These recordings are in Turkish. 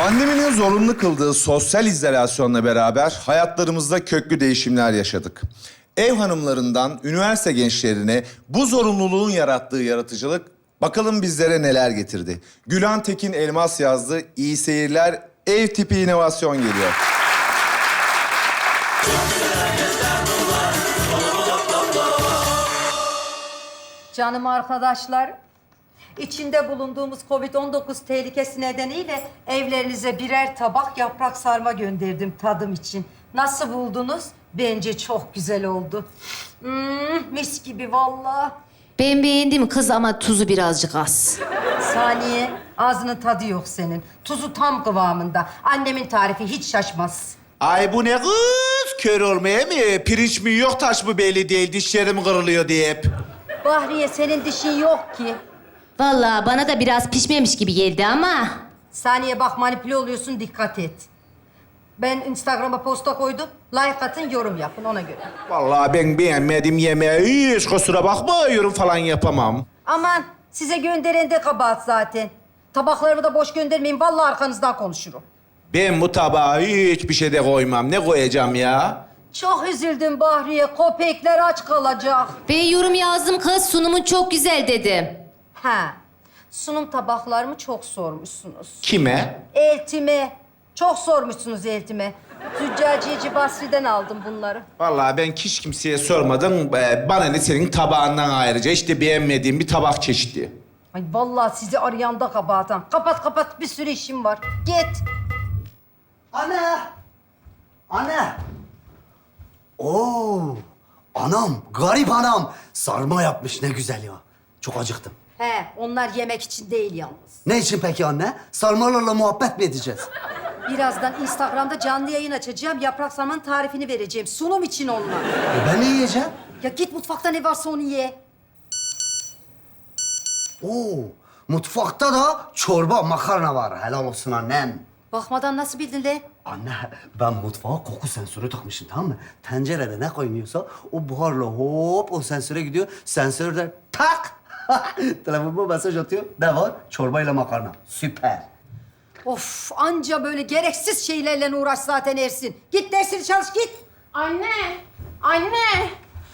Pandeminin zorunlu kıldığı sosyal izolasyonla beraber hayatlarımızda köklü değişimler yaşadık. Ev hanımlarından üniversite gençlerine bu zorunluluğun yarattığı yaratıcılık bakalım bizlere neler getirdi. Gülhan Tekin Elmas yazdı. İyi seyirler. Ev tipi inovasyon geliyor. Canım arkadaşlar, içinde bulunduğumuz Covid-19 tehlikesi nedeniyle evlerinize birer tabak yaprak sarma gönderdim tadım için. Nasıl buldunuz? Bence çok güzel oldu. Mis gibi vallahi. Ben beğendim kız ama tuzu birazcık az. Saniye, ağzının tadı yok senin. Tuzu tam kıvamında. Annemin tarifi hiç şaşmaz. Ay bu ne kız? Kör olmaya mı? Pirinç mi yok taş mı belli değil. Dişlerim kırılıyor diye hep. Bahriye, senin dişin yok ki. Vallahi bana da biraz pişmemiş gibi geldi ama... Saniye bak, manipüle oluyorsun, dikkat et. Ben Instagram'a posta koydum. Like atın, yorum yapın ona göre. Vallahi ben beğenmedim yemeği. Hiç kusura bakma yorum falan yapamam. Aman, size gönderen de kabahat zaten. Tabaklarımı da boş göndermeyin, vallahi arkanızdan konuşurum. Ben bu tabağa hiçbir şey de koymam. Ne koyacağım ya? Çok üzüldüm Bahriye, köpekler aç kalacak. Ben yorum yazdım kız, sunumun çok güzel dedim. Ha, sunum tabaklarımı çok sormuşsunuz. Kime? Eltime, çok sormuşsunuz eltime. Züccaciyeci Basri'den aldım bunları. Vallahi ben hiç kimseye sormadım. Bana ne senin tabağından ayrıca. İşte beğenmediğim bir tabak çeşidi. Ay vallahi sizi arayan da kabahatan. Kapat kapat, bir sürü işim var. Git. Ana! Ana! Oo! Anam, garip anam. Sarma yapmış, ne güzel ya. Çok acıktım. He, onlar yemek için değil yalnız. Ne için peki anne? Sarmalarla muhabbet mi edeceğiz? Birazdan Instagram'da canlı yayın açacağım. Yaprak sarmanın tarifini vereceğim. Sunum için onlar. Ben ne yiyeceğim? Ya git mutfakta ne varsa onu ye. Oo! Mutfakta da çorba, makarna var. Helal olsun annem. Bakmadan nasıl bildin lan? Anne, ben mutfağa koku sensörü takmışım, tamam mı? Tencerede ne koymuyorsa o buharla hop o sensöre gidiyor. Sensör de tak! Telefonuma mesaj atıyor. Ne var? Çorbayla makarna. Süper. Of, anca böyle gereksiz şeylerle uğraş zaten Ersin. Git dersini çalış, git. Anne! Anne!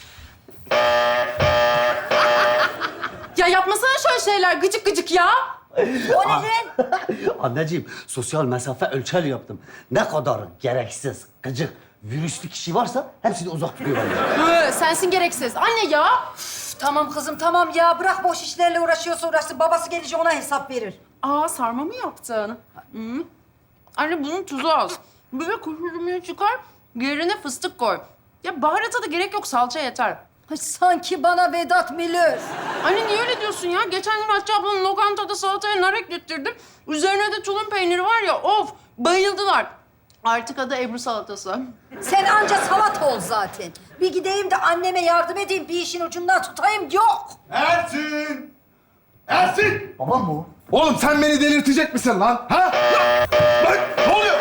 Ya yapmasana şöyle şeyler gıcık gıcık ya. O ne lan? Anneciğim, sosyal mesafe ölçer yaptım. Ne kadar gereksiz, gıcık, virüslü kişi varsa hepsini uzak tutuyor benden. Sensin gereksiz. Anne ya! Üf, tamam kızım, tamam ya. Bırak boş işlerle uğraşıyorsa uğraşsın. Babası gelince ona hesap verir. Aa sarma mı yaptın? Hı. Anne bunun tuzu az. Bir de kuş üzümünü çıkar, yerine fıstık koy. Ya baharata da gerek yok, salça yeter. Ay, sanki bana Vedat Milor. Anne niye öyle diyorsun ya? Geçen gün Hatice ablanın lokantada salataya nar eklettirdim. Üzerine de tulum peyniri var ya, of! Bayıldılar. Artık adı Ebru salatası. Sen anca salata ol zaten. Bir gideyim de anneme yardım edeyim, bir işin ucundan tutayım. Yok. Ersin! Ersin! Babam mı o? Oğlum sen beni delirtecek misin lan? Ha? Lan ne oluyor?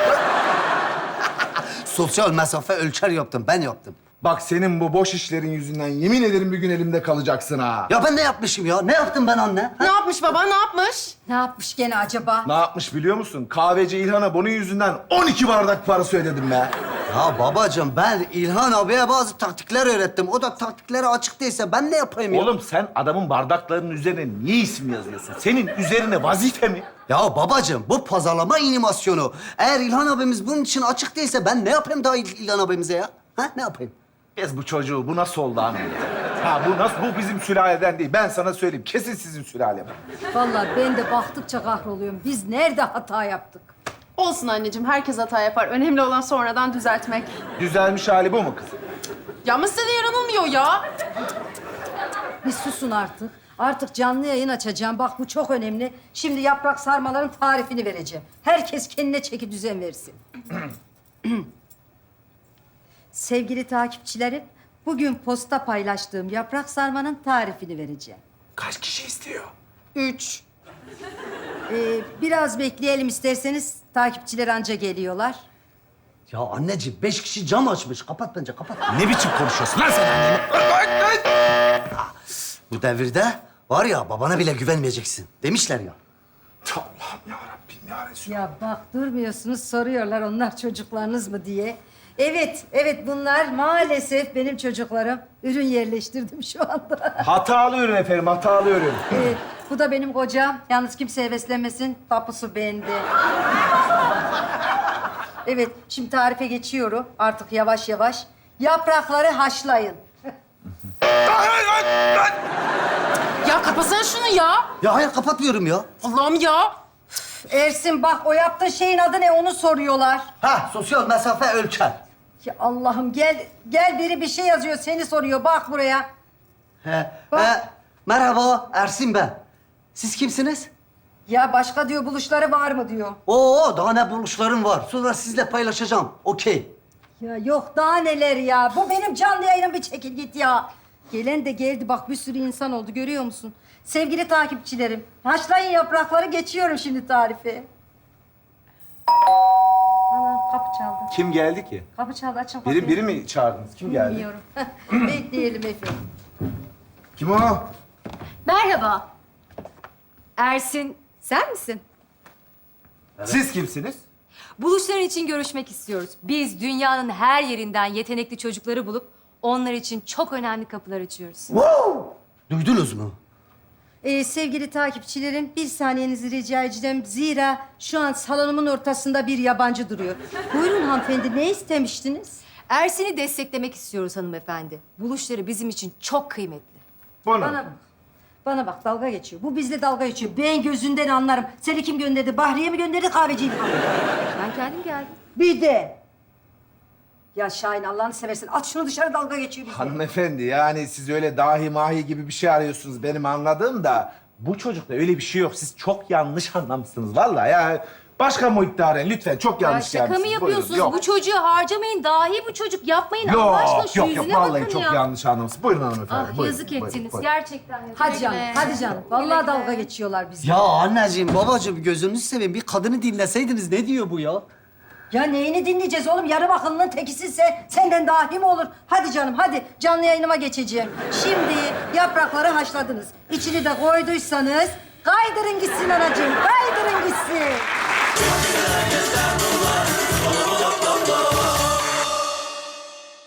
Sosyal mesafe ölçer yaptım, ben yaptım. Bak senin bu boş işlerin yüzünden yemin ederim bir gün elimde kalacaksın ha. Ya ben ne yapmışım ya? Ne yaptım ben anne? Ne yapmış baba, ne yapmış? Ne yapmış gene acaba? Ne yapmış biliyor musun? Kahveci İlhan'a bunun yüzünden 12 bardak parası ödedim be. Ya babacığım, ben İlhan abiye bazı taktikler öğrettim. O da taktiklere açık değilse ben ne yapayım ya? Oğlum sen adamın bardaklarının üzerine niye isim yazıyorsun? Senin üzerine vazife mi? Ya babacığım, bu pazarlama animasyonu. Eğer İlhan abimiz bunun için açık değilse ben ne yapayım daha İlhan abimize ya? Ha, ne yapayım? Biz bu çocuğu, bu nasıl oldu anlıyor? Ha bu nasıl, bu bizim sülaleden değil. Ben sana söyleyeyim, kesin sizin sülale bu. Vallahi ben de baktıkça kahroluyorum. Biz nerede hata yaptık? Olsun anneciğim, herkes hata yapar. Önemli olan sonradan düzeltmek. Düzelmiş hali bu mu kızım? Ya ama size de yaranılmıyor ya. Bir susun artık. Artık canlı yayın açacağım. Bak bu çok önemli. Şimdi yaprak sarmaların tarifini vereceğim. Herkes kendine çeki düzen versin. Sevgili takipçilerim, bugün posta paylaştığım yaprak sarmanın tarifini vereceğim. Kaç kişi istiyor? 3. Biraz bekleyelim isterseniz. Takipçiler anca geliyorlar. Ya anneciğim, 5 kişi cam açmış. Kapat bence, kapat. Ne biçim konuşuyorsun lan sen anneni? Bu devirde var ya, babana bile güvenmeyeceksin demişler ya. Allah'ım yarabbim. Rabbim ya Resulallah. Ya bak durmuyorsunuz soruyorlar onlar çocuklarınız mı diye. Evet, evet bunlar maalesef benim çocuklarım. Ürün yerleştirdim şu anda. Hatalı ürün efendim, hatalı ürün. Evet, bu da benim kocam. Yalnız kimse heveslenmesin, tapusu bende. Evet, şimdi tarife geçiyorum artık yavaş yavaş. Yaprakları haşlayın. Ya kapasana şunu ya. Ya hayır kapatmıyorum ya. Allah'ım ya. Ersin bak o yaptığın şeyin adı ne onu soruyorlar. Ha sosyal mesafe ölçer. Ya Allah'ım gel biri bir şey yazıyor seni soruyor bak buraya. He. Bak. Merhaba Ersin ben. Siz kimsiniz? Ya başka diyor buluşları var mı diyor. Oo daha ne buluşlarım var. Sonra sizle paylaşacağım. Okey. Ya yok daha neler ya. Bu benim canlı yayınım bir çekil git ya. Gelen de geldi bak bir sürü insan oldu görüyor musun? Sevgili takipçilerim, haşlayın yaprakları geçiyorum şimdi tarife. Ana kapı çaldı. Kim geldi ki? Kapı çaldı açın kapıyı. Biri mi çağırdınız? Kim geldi? Bilmiyorum. Bekleyelim efendim. Kim o? Merhaba. Ersin, sen misin? Siz kimsiniz? Buluşların için görüşmek istiyoruz. Biz dünyanın her yerinden yetenekli çocukları bulup onlar için çok önemli kapılar açıyoruz. Duydunuz mu? Sevgili takipçilerim, bir saniyenizi rica edeceğim. Zira şu an salonumun ortasında bir yabancı duruyor. Buyurun hanımefendi, ne istemiştiniz? Ersin'i desteklemek istiyoruz hanımefendi. Buluşları bizim için çok kıymetli. Bunu. Bana bak. Bana bak, dalga geçiyor. Bu bizle dalga geçiyor. Ben gözünden anlarım. Seni kim gönderdi? Bahriye mi gönderdi, kahveciyi mi? Ben kendim geldim. Bir de. Ya Şahin, Allah'ını seversen at şunu dışarı, dalga geçiyor bizle. Hanımefendi yani siz öyle dahi mahi gibi bir şey arıyorsunuz benim anladığım da bu çocukta öyle bir şey yok. Siz çok yanlış anlamışsınız vallahi ya. Başka muhitte arayın lütfen. Çok Ya yanlış şaka mı gelmişsiniz. Buyurun. yapıyorsunuz? Yok. Bu çocuğu harcamayın. Dahi bu çocuk. Yapmayın Allah aşkına şu Yok yüzüne vallahi bakın çok ya. yanlış anlamışsınız. Buyurun hanımefendi. Ah buyurun, yazık buyurun, ettiniz. buyurun. Gerçekten yazık. Hadi canım, Güle hadi canım. güle. Vallahi Güle dalga güle. geçiyorlar bizle. Ya anneciğim, babacığım gözünüzü seveyim. Bir kadını dinleseydiniz ne diyor bu ya? Ya neyini dinleyeceğiz oğlum? Yarım akıllının tekisinse senden dahi mi olur? Hadi canım, hadi. Canlı yayınıma geçeceğim. Şimdi yaprakları haşladınız. İçini de koyduysanız kaydırın gitsin anacığım. Kaydırın gitsin.